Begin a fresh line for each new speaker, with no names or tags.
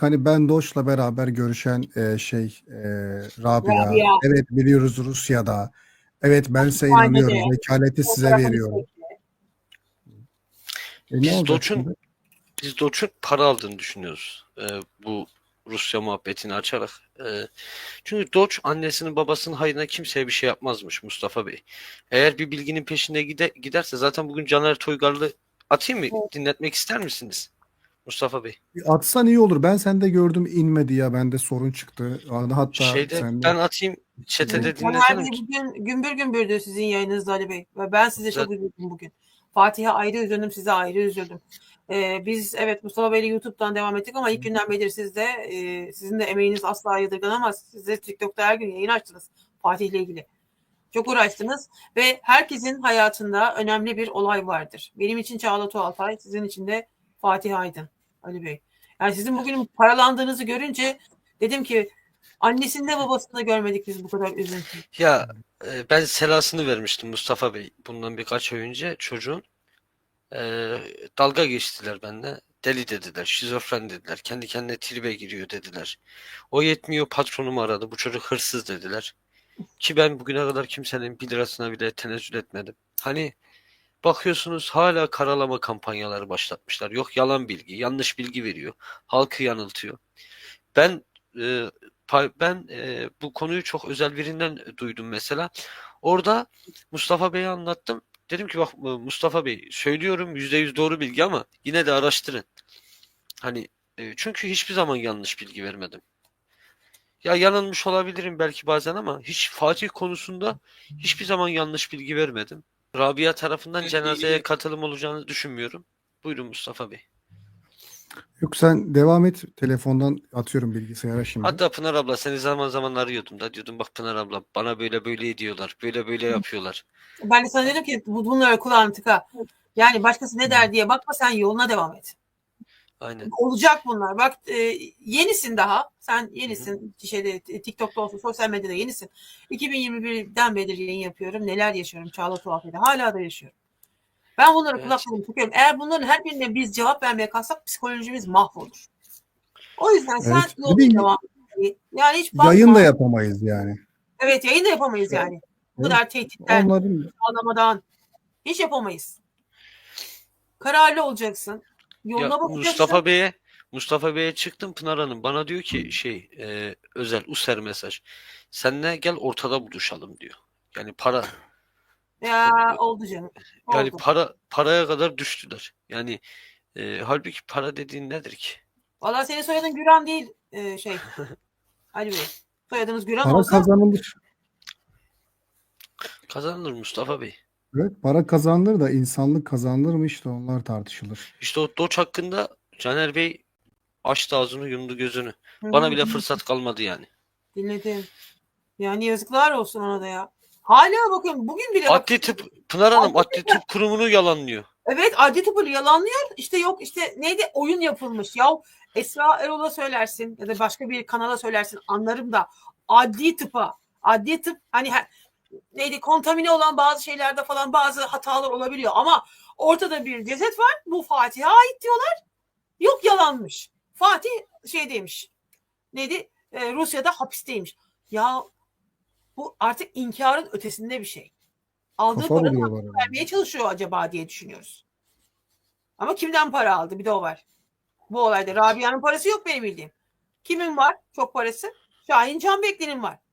Hani ben Doç'la beraber görüşen Rabia.
Rabia.
Evet biliyoruz Rusya'da. Evet ben size
Hapishanede.
inanıyorum. Vekaleti size
Fotoğrafını
veriyorum.
çekti.
Ne
Biz
olacak
Doç'un
şimdi?
biz Doç'un para aldığını düşünüyoruz. Bu Rusya muhabbetini açarak. Çünkü Doç annesinin babasının hayrına kimseye bir şey yapmazmış Mustafa Bey. Eğer bir bilginin peşinde giderse zaten bugün Caner Toygarlı atayım mı? Dinletmek ister misiniz Mustafa Bey?
Atsan iyi olur. Ben sende gördüm inmedi ya. Bende sorun çıktı. Hatta
Şeyde
sende.
ben atayım çetede
Caner
dinletelim
Bey
ki.
bugün gümbür gümbürdü sizin yayınınızda Ali Bey. Ve ben size çok
Zaten
üzüldüm bugün. Fatih'e ayrı üzüldüm, size ayrı üzüldüm. Biz evet Mustafa Bey'le YouTube'dan devam ettik ama ilk günden beri sizin de emeğiniz asla yadırganamaz. Siz de TikTok'ta her gün yayın açtınız Fatih'le ilgili. Çok uğraştınız ve herkesin hayatında önemli bir olay vardır. Benim için Çağla Tuğaltay, sizin için de Fatih Aydın Ali Bey. Yani sizin bugün paralandığınızı görünce dedim ki annesinde babasında görmedik biz bu kadar üzüntü.
ya ben selasını vermiştim Mustafa Bey bundan birkaç ay önce çocuğun. E, Dalga geçtiler benimle. Deli dediler, şizofren dediler, kendi kendine tribe giriyor dediler. O yetmiyor patronumu aradı, bu çocuk hırsız dediler. Ki ben bugüne kadar kimsenin 1 lirasına bile tenezzül etmedim. Hani bakıyorsunuz hala karalama kampanyaları başlatmışlar. Yok yalan bilgi, yanlış bilgi veriyor. Halkı yanıltıyor. Ben bu konuyu çok özel birinden duydum mesela. Orada Mustafa Bey'e anlattım. Dedim ki bak Mustafa Bey söylüyorum %100 doğru bilgi ama yine de araştırın. Hani çünkü hiçbir zaman yanlış bilgi vermedim. Ya yanılmış olabilirim belki bazen ama hiç Fatih konusunda hiçbir zaman yanlış bilgi vermedim. Rabia tarafından cenazeye katılım olacağını düşünmüyorum. Buyurun Mustafa Bey.
Yok sen devam et. Telefondan atıyorum bilgisayara şimdi.
Hatta Pınar abla seni zaman zaman arıyordum da diyordum bak Pınar abla bana böyle böyle ediyorlar. Böyle böyle yapıyorlar.
Ben de sana dedim ki bunları kulağını tıka. Yani başkası ne der diye bakma, sen yoluna devam et.
Aynen.
Olacak bunlar. Bak yenisin daha. Sen
Hı hı.
yenisin. TikTok'ta olsun, sosyal medyada yenisin. 2021'den beri yayın yapıyorum. Neler yaşıyorum Çağla Tuhafe'de. Hala da yaşıyorum. Ben bunları
Evet.
kulaklarımı tıkıyorum. Eğer bunların her birine biz cevap vermeye kalksak psikolojimiz mahvolur. O yüzden sen
Evet. Bir
yoluna
de
devam et. Yani hiç
yayın da
bakma.
yapamayız yani.
Evet, yayın da yapamayız yani. Bu
Evet.
kadar tehditten,
Onların
ağlamadan hiç yapamayız. Kararlı olacaksın.
Ya
Yoluna bakacaksın.
Mustafa Bey'e çıktım Pınar Hanım bana diyor ki özel user mesaj. Seninle gel ortada buluşalım diyor. Yani
Ya oldu canım.
yani
Oldu.
paraya kadar düştüler. Yani halbuki para dediğin nedir ki?
Valla senin soyadın Güran değil Ali Bey. Soyadınız Güran
para
olsa
kazanılır.
Kazanılır Mustafa Bey.
Evet, para kazanılır da insanlık kazanılır mı işte onlar tartışılır.
İşte o Doç hakkında Caner Bey açtı ağzını yumdu gözünü.
hı
Bana
hı,
bile fırsat kalmadı yani.
dinledim. Yani yazıklar olsun ona da ya. Hala bakın bugün bile bak.
Adli tıp Pınar Hanım Adli Tıp Kurumu'nu yalanlıyor.
Evet, adli tıpı yalanlıyor. İşte yok işte neydi, oyun yapılmış. Ya Esra Erol'a söylersin ya da başka bir kanala söylersin anlarım da adli tıp hani neydi, kontamine olan bazı şeylerde falan bazı hatalar olabiliyor ama ortada bir ceset var. Bu Fatih'e ait diyorlar. Yok, yalanmış. Fatih demiş. Neydi? Rusya'da hapisteymiş. Ya bu artık inkarın ötesinde bir şey. Aldığı
Kafa
paranın
buluyorlar
hakkını
adamı.
vermeye çalışıyor acaba diye düşünüyoruz. Ama kimden para aldı? Bir de o var. Bu olayda Rabia'nın parası yok benim bildiğim. Kimin var çok parası? Şahin Canbekli'nin var.